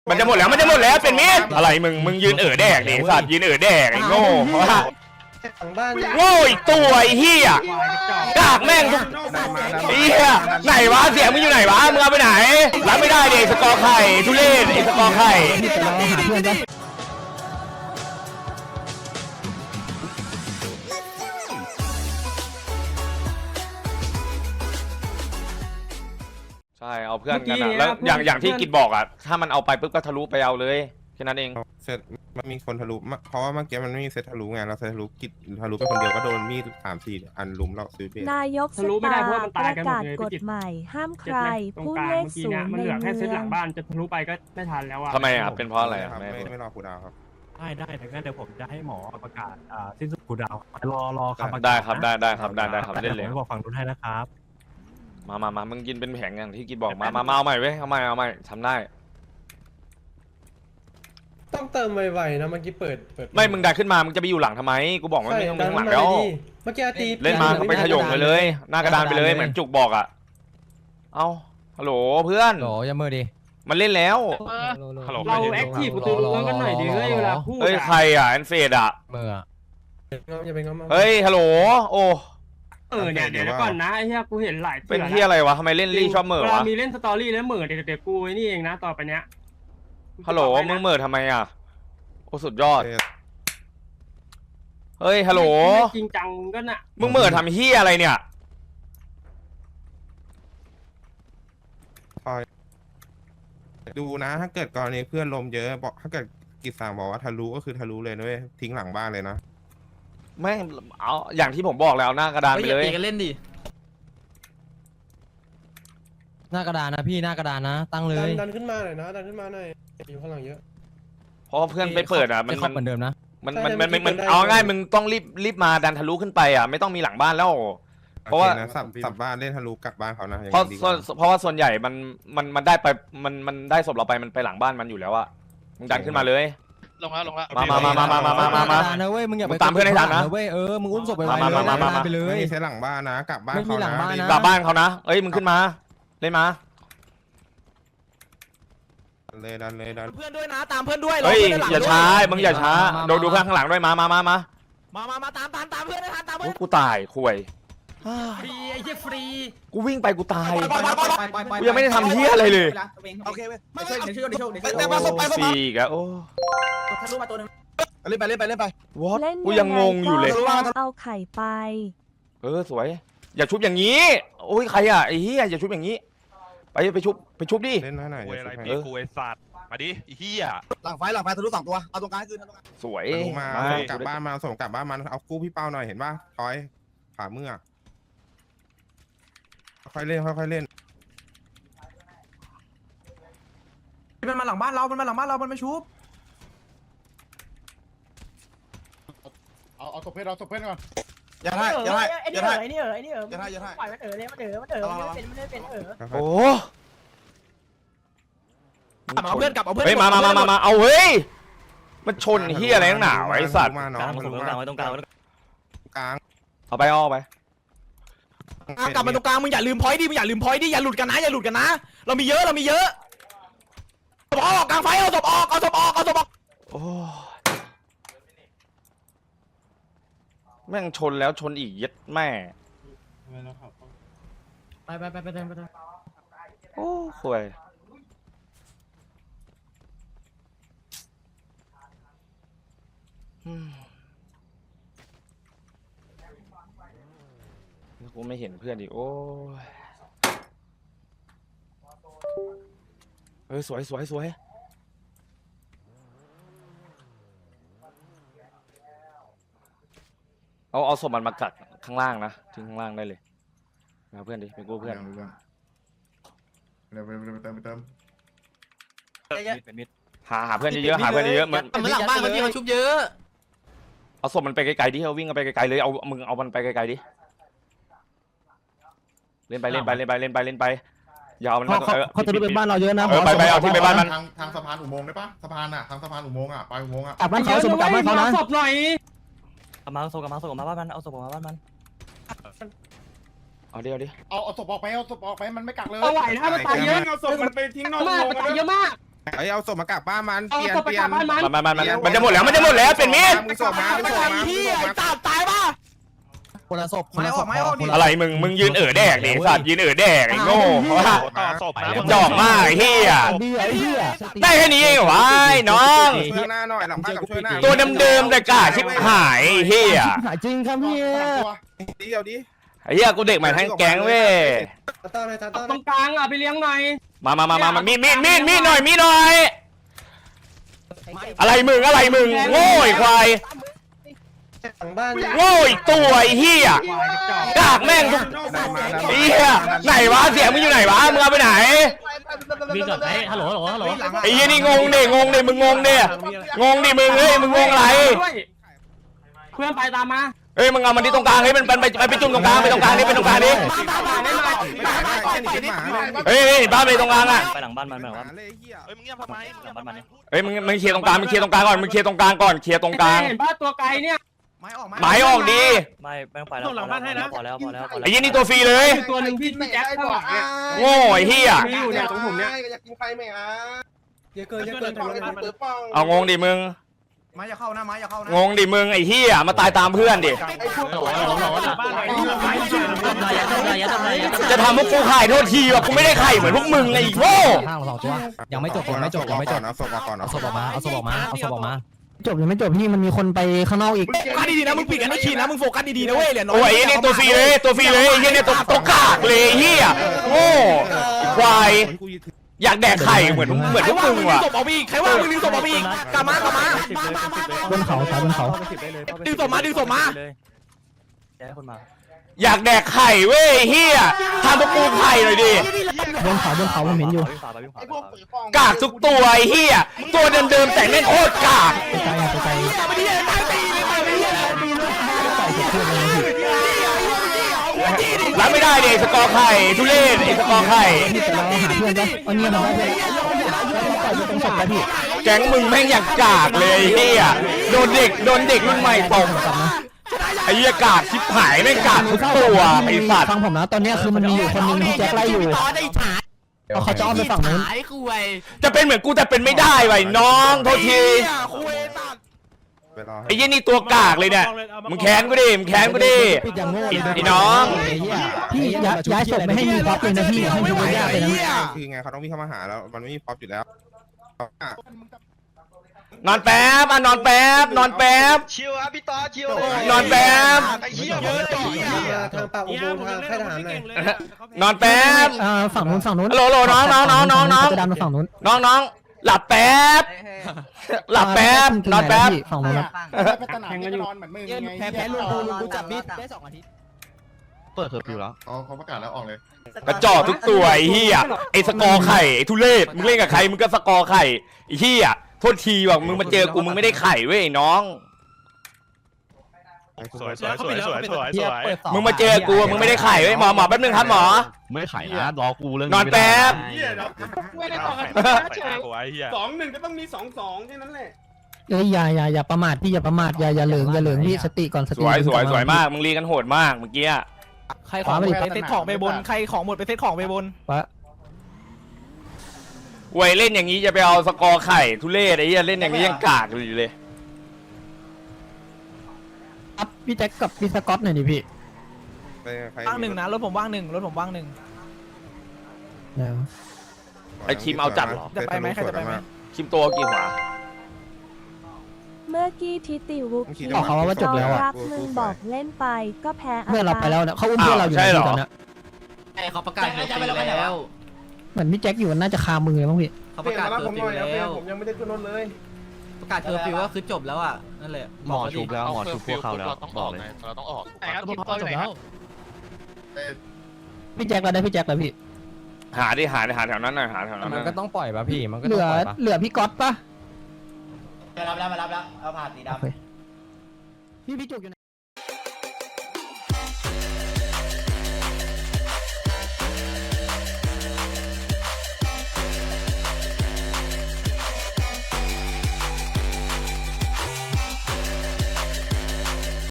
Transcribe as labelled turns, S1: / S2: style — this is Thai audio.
S1: มันจะหมดแล้วเป็นมิดอะไรมึงยืนแดกดิสัตว์ยืนแดกไอ้โง่โง่อีกตัวไอ้เหี้ยกากแม่งทุกไอ้เหี้ยไหนวะเสียงมึงอยู่ไหนวะมึงเอาไปไหนรับไม่ได้เด็กสกอร์ไข่ทุเรศไอ้สกอร์ไข่ใช่เอาเพื่อนกันนะแล้วอย่างที่กิจบอกอ่ะถ้ามันเอาไปปุ๊บก็ทะลุไปเอาเลยแค่นั้นเอง
S2: เสร็จมันมีคนทะลุเพราะว่าเมื่อกี้มันไม่มีเซตทะลุไงเราเซตทะลุกิจทะลุไปคนเดียวก็โดนมีด3-4 อันลุมเราซื้อเบส
S3: นายกสตาประกาศกฎใหม่ห้ามใครพูดเลขศูนย์ในเมือง
S4: แค่เซตหลังบ้านจะทะลุไปก็ไม่ทันแล้วอ่ะ
S1: ทำไมอ่ะเป็นเพราะอะไร
S2: ไม่รอคูดาวครับ
S4: ได้แต่งั้นเดี๋ยวผมจะให้หมอประกาศสิ้นสุดคูดาวรอคำประกาศ
S1: ได้ครับได้ครับเล่นเลย
S4: บอกฝั่งนู้นให้นะครับ
S1: มามึงกินเป็นแผงอย่างที่กินบอกมาเอาใหม่เว้ยเอาใหม่ทำได้
S5: ต้องเติมไวๆนะเมื่อกี้เปิด
S1: ไม่มึงดันขึ้นมามึงจะไปอยู่หลังทำไมกูบอกว่าไม่ต้องข้างหลังแล้ว
S5: เมื่อกี้ตี
S1: เล่นมาไปขย่งเลยหน้ากระดานไปเลยเหมือนจุกบอกอ่ะเอาฮัลโหลเพื่อน
S6: โหอย่ามือดิ
S1: มันเล่นแล้ว
S4: เราแอคทีฟประตูรั้วกันหน่อยดิเฮ้ยเวลาพูด
S1: เฮ้ยใครอ่ะแอนเฟดอ่ะ
S6: มือ
S5: อย่าเป็นง้อ
S1: เฮ้ยฮัลโหลโอ้
S4: เนี่ยเดี๋ยวก่อนนะไอ้เหี้ยกูเห็นหลาย
S1: เป็นที่อะไรวะทำไมเล่นรี่ชอบเหม่อวะ
S4: มีเล่นสตอรี่แล้วเหม่อเดี๋ยวกูไอ้นี่เองนะต่อไปเนี้ย
S1: ฮัลโหลมึงเหม่อทำไมอ่ะโอ้สุดยอดเฮ้ยฮัลโหล
S4: จริงจังก็น่ะ
S1: มึงเหม่อทำเฮียอะไรเนี่ย
S2: ดูนะถ้าเกิดกรณีเพื่อนลมเยอะบอกถ้าเกิดกิจสั่งบอกว่าทะลุก็คือทะลุเลยนะเว้ยทิ้งหลังบ้านเลยนะ
S1: แม่งเอาอย่างที่ผมบอกแล้วหน้ากระดานไปเลย
S6: กันเล่นดิหน้ากระดานนะพี่หน้ากระดานนะตั้งเลย
S5: ดันขึ้นมาหน่อยนะดันขึ้นมาหน่อยอยู่ข้างหลังเยอะ
S1: เพราะเพื่อนไปเปิดอ่ะ
S6: มันเหมือนเดิมนะ
S1: มันเอาง่ายมึงต้องรีบมาดันทะลุขึ้นไปอ่ะไม่ต้องมีหลังบ้านแล้วเพราะว่า
S2: สับบ้านเล่นทะลุกลับบ้านเขานะ
S1: เพราะว่าส่วนใหญ่มันได้ไปมันได้ศพเราไปมันไปหลังบ้านมันอยู่แล้วอ่ะมึงดันขึ้นมาเลย
S7: ลงแล้ว
S1: มา
S6: นะเว้ยมึงอย่าไป
S1: ตามเพื่อนให้ทันนะ
S6: เว้ยมึงอุ้มศพไป
S1: ไป
S6: เลย
S2: ไม่ใช่หลังบ้านนะกลับบ้านเขานะ
S1: กลับบ้านเขานะเอ้ยมึงขึ้นมาเล่นมา
S2: ดันเลย
S6: เพื่อนด้วยนะตามเพื่อนด้วย
S1: เฮ้ยอย่าช้ามึงอย่าช้าดูเพื่อนข้างหลังด้วยมา
S6: ตามเพื่อนตามเพื่อน
S1: กูตายคุย
S6: ฟรีไอ้เหี้ยฟรี
S1: กูวิ่งไปกูตายกูยังไม่ได้ทำเหี้ยอะไรเลย
S6: โอเคเว้ยเดี๋ยวช่วย
S1: สี่กะโอ้
S6: ทะลุมาตัวนึงเล่นไป
S1: วอทกูยังงงอยู่เลย
S3: เอาไข่ไป
S1: สวยอย่าชุบอย่างนี้โอ้ยใครอ่ะไอ้เหี้ยอย่าชุบอย่างนี้ไปชุบดิ
S2: เล่นหน่อย
S7: อะไรพี่กูไอ้สัตว์มาดิไอ้เหี้ย
S6: หลังไฟทะลุ2ตัวเอาตรงกลางคืน
S1: สวย
S2: มากลับบ้านมาส่งกลับบ้านมันเอากู้พี่เป้าหน่อยเห็นป่ะถอยขาเมื่อค่อยเล่น
S6: มันมาหลังบ้านเรามันไม่ชุบ
S7: เอาศพเพื่อนก่อน
S6: อย่าให้
S4: ไอ้นี่ปล่อยมันเลยมันเลยไม่เป็น
S1: โอ้
S6: เอาเพื่อนกลับเอาเพื่อน
S1: เฮ้ยมาเอาเฮ้ยมันชนเฮียอะไรหนาไอ้สัตว์
S2: มาน้องมันรู้มา
S6: ตรงกลาง
S1: เอาไป
S6: กลับมาตรงกลางมึงอย่าลืมพอยต์ดิอย่าหลุดกันนะเรามีเยอะออกกลางไฟเอาศพออก
S1: โอ้แม่งชนแล้วชนอีกยัดแม่
S6: ไป
S1: โอ้ข่วยกูไม่เห็นเพื่อนดิโอ้สวยเอาศพมันมากัดข้างล่างนะทิ้งข้างล่างได้เลยมาเพื่อนดิไปกู้เพื่อน
S2: เติม
S1: หาเพื่อนเยอะๆ
S6: มันหลังบ้านมันที่มันชุบเยอะ
S1: เอาศพมันไปไกลๆดิเอาวิ่งกันไปไกลๆเลยเอามึงเอามันไปไกลๆดิเล่นไปอย่าเอามัน
S6: เขาจะรู้เป็นบ้านเราเยอะนะ
S1: ไปเอาที่ไปบ้านมัน
S7: ทางสะพานอุโมงค์ได้ปะสะพานอ่ะทางสะพานอุโมงค์อ่ะไปอุโมงค์อ่ะ
S6: กลับบ้านเขากลับบ้านเขานะ
S4: ศพหน่อย
S6: มาส่งมาบ้านมันเอาศพมาบ้านมัน
S1: เอาเดี๋ยว
S7: เอาศพออกไปมันไม่กักเลย
S4: เอาไหวนะมันตายเยอะ
S7: เอาศพมันไปทิ้งนอกอุโมงค์
S4: ตายเยอะมาก
S2: เอาศพมากลับบ้านมันเปลี่ยน
S1: มันจะหมดแล้วเป็นมีด
S2: มึงศพมามึงศพมา
S6: พี่ไอ้ตาตายป่ะคนละศพไม่ออกดิ
S1: อะไรมึงยืนแดกดิสัตว์ยืนแดกไอ้โง่จอกมากไอ้เหี้ยได้แค่นี้เองเหรอวะไอ้น้อง
S2: ช่วยหน้าหน่อยหลังบ้านกับช่วยหน้า
S1: ตัวเดิมๆแต่กาชิบหายไอ้เหี้ย
S6: จริงครับพี่
S2: เดี๋ยวดิ
S1: ไอ้เหี้ยกูเด็กใหม่ทั้งแก๊งเว้ย
S5: ตาต้าเลยตาต้า
S8: ตรงกลางอ่ะไปเลี้ยงหน่อย
S1: มามีดหน่อยอะไรมึงโง่ไอ้ควาย
S5: หลังบ้าน
S1: โง่อีกตัวไอ้เหี้ยกากแม่งทุกไอ้เหี้ยไหนวะเสียงมึงอยู่ไหนวะมึงเอาไปไหน
S4: วิ่งก่อนฮัลโหล
S1: ไอ้เหี้ยนี่งงดิมึงงงดิมึงเฮ้ยมึงงงอะไร
S8: เพื่อนไปตามมา
S1: เฮ้ยมึงเอามันที่ตรงกลางเฮ้ยมันไปจุ่มตรงกลางไปตรงกลางนี่เป็นตรงกลางนี่เฮ้ยบ้านไปตรงกลางอ่ะ
S9: ไปหลังบ้านมันแบบว่า
S2: เฮ้ยมึงเงียบทำไม
S9: หลังบ้านมันเนี่ย
S1: เฮ้ยมึงเคลียร์ตรงกลางก่อนเคลียร์ตรงกลางก่อนเคลียร์ตรงกลาง
S8: เห็นป้าตัวไกลเนี่ย
S1: หมายออกดี
S9: ไม่แม่งไปแล้วพอแล้ว
S1: ไอ้ยี่นี่ตัวฟรีเลย
S8: ตัวหนึ่งพี่แจ็คข้างหลังเนี่ย
S1: โง่ไอ้เหี้ย
S8: มีอยู่เนี่ยตรงผมเนี่ย
S5: อยากกินไฟไหมอ่ะเยอะเกินทำอะไรกันเปิดป้อง
S1: เอางงดิมึง
S6: ไม้อย่าเข้านะไม้อย่าเข้านะ
S1: งงดิมึงไอ้เหี้ยมาตายตามเพื่อนดิจะทำพวกกูขายโทษทีว่ะกูไม่ได้ไข่เหมือนพวกมึงไอ้โง่
S6: ข้างสองตัวยังไม่จบ
S2: เอาศพออกมา
S6: จบยังไม่จบพี่มันมีคนไปข้างนอกอีกโฟกัสดีๆนะมึงปิดกันไม่ขีดนะมึงโฟกัสดีๆนะเว้ยเหรียญน้อย
S1: โอ้ยไอ้นี่ตัวฟรีเลยไอ้เหี้ยเนี่ยตัวกากเลยไอ้เหี้ยโง่ควายอยากแดกไข่เหมือนพวกมึงว่ะ
S6: ศพเอาอีกใครว่ามึงดึงศพเอาอีกกลับมาบนเขาดึงศพมา
S9: เลยย้ายคนมา
S1: อยากแดกไข่เว้ยเฮียทำพวกกูไข่หน่อยดิ
S6: บนเขาผมเห็นอยู่
S1: กากทุกตัวไอ้เฮียตัวเดิมๆแต่แม่งโคตรกากรับไม่ได้ดิสกอร์ไข่ทุเรศไอ้สกอร์ไข่
S6: เราหาเพื่อนปะเอาเนี่ยมาได้ต้องศพไปพี่
S1: แก๊งมึงแม่งอยากกากเลยไอ้เฮียโดนเด็กรุ่นใหม่ตบไอ้เหี้ยกากชิบหายแม่งกากทุกตัวไอ้สัตว์
S6: ฟังผมนะตอนนี้คือมันมีอยู่คนนึงที่แจ็คไล่อยู่เขาจะอ้อมไปฝั่งนู้น
S1: จะเป็นเหมือนกูแต่เป็นไม่ได้ไว้น้องโทษทีไอ้ยี่นี่ตัวกากเลยเนี่ยมึงแค้นกูดิไอ้น้อง
S6: พี่ย้ายศพไม่ให้มีพ็อปเลยนะพี่ให้ดูยากเลยนะ
S2: คือไงเขาต้องวิ่งเข้ามาหาแล้วมันไม่มีพ็อปอยู่แล้ว
S1: นอนแป๊บ
S9: ชิวอ่ะพี่ต่อชิวน
S1: อนแป๊บ
S9: ไอ้เหี้ยเยอะ
S5: ทางปากอุโมงค์ทางค่ายทหารหน่อย
S1: นอนแป๊บ
S6: ฝั่งนู้น
S1: ฮัลโหลน้อง
S6: จะดันมาฝั่งนู้น
S1: น้องหลับแป๊บนอนแป๊บ
S6: ฝั่งนู้น
S8: แข่งกันอยู่
S6: แพ้ลุงกูจับมีดได้2 อาทิตย์
S9: เปิดเคอร์ฟิวแล้ว
S7: เขาประกาศแล้วออกเลย
S1: กระจอกทุกตัวไอ้เหี้ยไอ้สกอร์ไข่ไอ้ทุเรศมึงเล่นกับใครมึงก็สกอร์ไข่ไอ้เหี้ยโทษทีว่ะมึงมาเจอกูมึงไม่ได้ไข่เว้ยน้องมึงมาเจอกูมึงไม่ได้ไข่เว้ยหมอแป๊บนึงครับหมอ
S9: ไม่ไข่นะรอกูเรื่อง
S1: นอนแป๊บ
S8: ไม่ได้ต่อกันเฉย2-1ก็ต้องมี2-2แค่นั้นแหละ
S6: เอ้ยอย่าประมาทพี่อย่าประมาทอย่าเหลิงพี่สติก่อนส
S1: ส
S6: ติ
S1: วยมากมึงรีกันโหดมากเมื่อกี้
S6: ใครของหมดไปเซตของไปบนใครของหมดไปเซตของไปบนวะ
S1: ไว้เล่นอย่างนี้จะไปเอาสกอร์ไข่ทุเรศไอ้เหี้ยเล่นอย่างนี้ยังกากอยู่เลย
S6: อัพพี่แจ็คกับพี่สกอตหน่อยดิพี่
S2: ว่างหนึ่งนะ
S6: รถผมว่างหนึ่ง
S1: ไอ้คิมเอาจัดเหรอ
S6: จะไปไหมใครจะไปไหม
S1: คิมตัวกี่หัว
S3: เมื่อกี้ทิติวุกกี้
S6: บอกเขาว่าจบแล้วอะ
S3: รักมึงบอกเล่นไปก็แพ้
S6: เพื่อนเราไปแล้วเนี่ยเขาอุ้มเพื่อนเราอยู่ในที่ตอนนี้
S9: เขาประกาศเคอร์ฟิวแล้ว
S6: เหมือนพี่แจ็คอยู่น่าจะคามือเลยมั้งพี่
S9: เขาประกาศเคอร์ฟิวแล้ว
S5: ผมยังไม่ได้ขึ้นรถเลย
S9: ประกาศเคอร์ฟิวก็คือจบแล้วอ่ะนั่นแหละหมอชุบแล้วหมอชุบพวกเขาแล้วบอกเลย
S7: เราต้องออก
S8: แต่ครับพอจบแล้ว
S6: พี่แจ็คเราได้พี่แจ็คแล้วพี่
S1: หาแถวนั้นหน่อยหาแถวนั้น
S4: มันก็ต้องปล่อยป่ะพี่มันก็
S6: เห
S4: ต้อ
S6: ลื
S4: ง
S6: อ
S4: ปล่อยป่ะ
S6: เหลือพี่ก๊อตปะ
S9: มารับแล้วเอาผ่านสีดำ
S6: พี่จุกอยู่